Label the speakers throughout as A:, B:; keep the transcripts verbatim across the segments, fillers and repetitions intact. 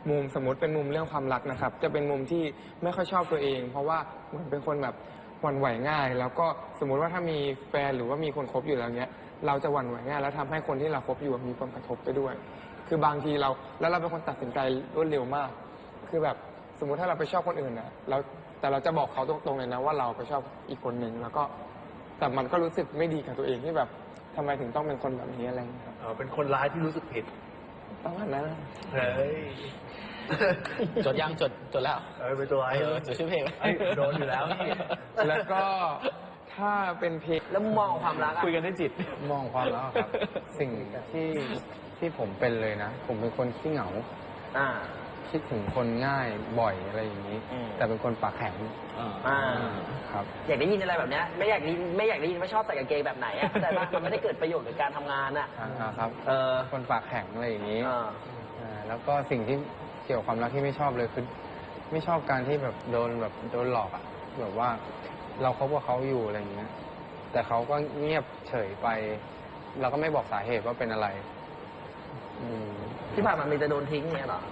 A: มุมสมมติเป็นมุมเรื่องความรักนะครับจะเป็นมุมที่ไม่ค่อยชอบตัวเอง เพราะว่าเหมือนเป็นคนแบบหวั่นไหวง่าย แล้วก็สมมุติว่าถ้ามีแฟนหรือว่ามีคนคบอยู่แล้วเนี้ยเราจะหวั่นไหวง่ายแล้วทำให้คนที่เราคบอยู่มีผลกระทบไปด้วย คือบางทีเราแล้วเราเป็นคนตัดสินใจรวดเร็วมาก คือแบบสมมุติถ้าเราไปชอบคนอื่นนะเราแต่เราจะบอกเขาตรงๆเลยนะว่าเราไปชอบอีกคนหนึ่งแล้วก็แต่มันก็รู้สึกไม่ดีกับตัวเองที่แบบทำไมถึงต้องเป็นคนแบบนี้อะไรอย่างเงี้ยครับ
B: เออเป็นคนร้ายที่รู้สึกผิด
A: ประมาณนั้น
B: เฮ้ย
C: จดยังจดจดแล้ว
B: เออเป็นตัวร้าย
C: เออจดชื่อเพลงไหม
B: เอ้ยโดนอยู่แล้วนี่
A: แล้วก็ถ้าเป็นเพลง
D: แล้วมุมมองของความรักอะ
C: คุยกันได้จิต
E: มองความแล้วครับ สิ่งที่ที่ผมเป็นเลยนะ ผมเป็นคนขี้เหงา
D: อ่า
E: คิดถึงคนง่ายบ่อยอะไรอย่างนี้
D: อืม
E: แต่เป็นคนปากแข็ง
D: อ่า
E: ครับ
D: อยากได้ยินอะไรแบบเนี้ยไม่อยากได้ยินไม่อยากได้ยินว่าชอบใส่กางเกงแบบไหนอะแต่ว่ามันไม่ได้เกิดประโยชน์กับการทำงานอะ
E: อ่าครับ
D: เออ
E: คนปากแข็งอะไรอย่างนี้
D: อ่า
E: อ่าแล้วก็สิ่งที่เกี่ยวกับความรักที่ไม่ชอบเลยคือไม่ชอบการที่แบบโดนแบบโดนหลอกอะแบบว่าเราคบกับเขาอยู่อะไรอย่างเงี้ย แต่เขาก็เงียบเฉยไป เราก็ไม่บอกสาเหตุว่าเป็นอะไร อืม
D: ที่ผ่านมามีจะโดนทิ้งเนี่ยเหรอ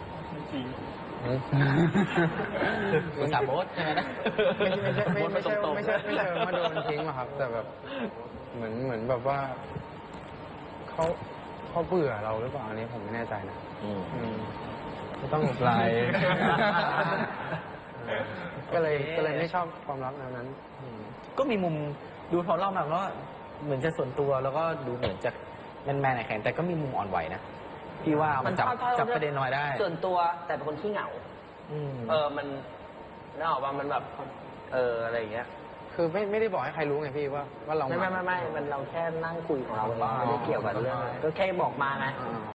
C: คุณสามโบสใช่ไหมนะ
E: ไม่ใช่ไม่
C: โบ๊ท
E: ไม่
C: มา
E: ใช่
C: ตรงๆ
E: ไม่ใช่ไม่ใช่ไม่ใช่มาโดนทิ้งหรอกครับ แต่แบบเหมือนเหมือนแบบว่าเขาเขาเบื่อเราหรือเปล่าอันนี้ผมไม่แน่ใจนะ
C: อืม
E: อืมก็ต้องไลน์ก็เลยก็เลยไม่ชอบความรักแนวนั้นอืม
C: ก็มีมุมดูเขาเล่ามาก็เหมือนจะส่วนตัวแล้วก็ดูเหมือนจะแมนๆแข็งแต่ก็มีมุมอ่อนไหวนะพี่ว่ามันจับ
D: มันชอบ
C: จับประเด็นน้อยได้
D: ส่วนตัวแต่เป็นคนขี้เหงา
C: อืม
D: เออ มันน่าออกว่ามันแบบ เออ อะไรอย่างเงี้ย
E: คือไม่ไม่ได้บอกให้ใครรู้ไงพี่ว่าว่าเรา
D: ไม่ไม่ไม่ไม่มันเราแค่นั่งคุยของเราเองไม่ได้เกี่ยวกับเรื่อง ก็แค่บอกมาไง
E: อ่า